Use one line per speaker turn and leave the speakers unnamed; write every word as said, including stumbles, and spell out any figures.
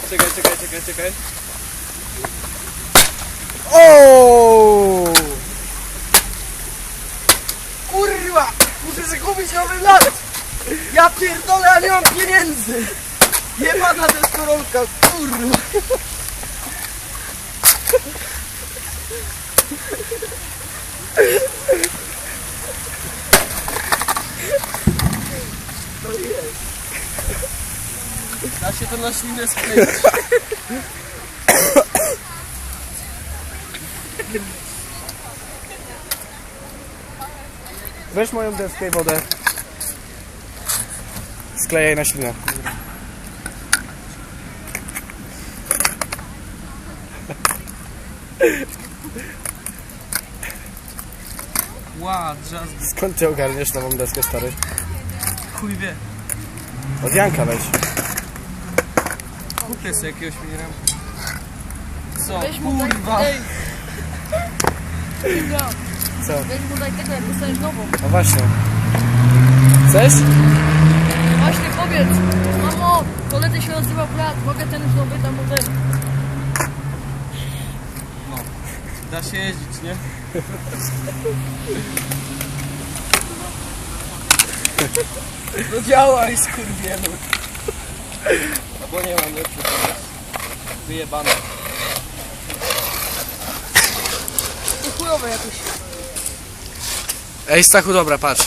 Czekaj, czekaj, czekaj, czekaj.
O!
Kurwa! Muszę sobie kupić nowy lat! Ja pierdolę, a nie mam pieniędzy! Jebana deskorolka, kurwa! To jest. Da się to na ślinę skleić.
Weź moją deskę i wodę. Sklejaj na ślinę.
Ła, drzazgi.
Skąd ty ogarniesz nową deskę, stary?
Chuj wie.
Od Janka weź.
Kupię sobie jakiegoś minera. Co?
Weź mu daj,
Kurwa!
ej. Dobra,
Co?
weź mu daj tego, jak dostaniesz nową.
No właśnie. Chcesz?
Właśnie powiedz, mamo, koledzy się odzywał brat, mogę ten już nowy, tam mu ten.
No. Da się jeździć, nie? No działaj, skurwielu. No bo nie mam lepszy pomysł. Wyjebane.
To chujowe jakoś.
Ej, Stachu, dobra, patrz.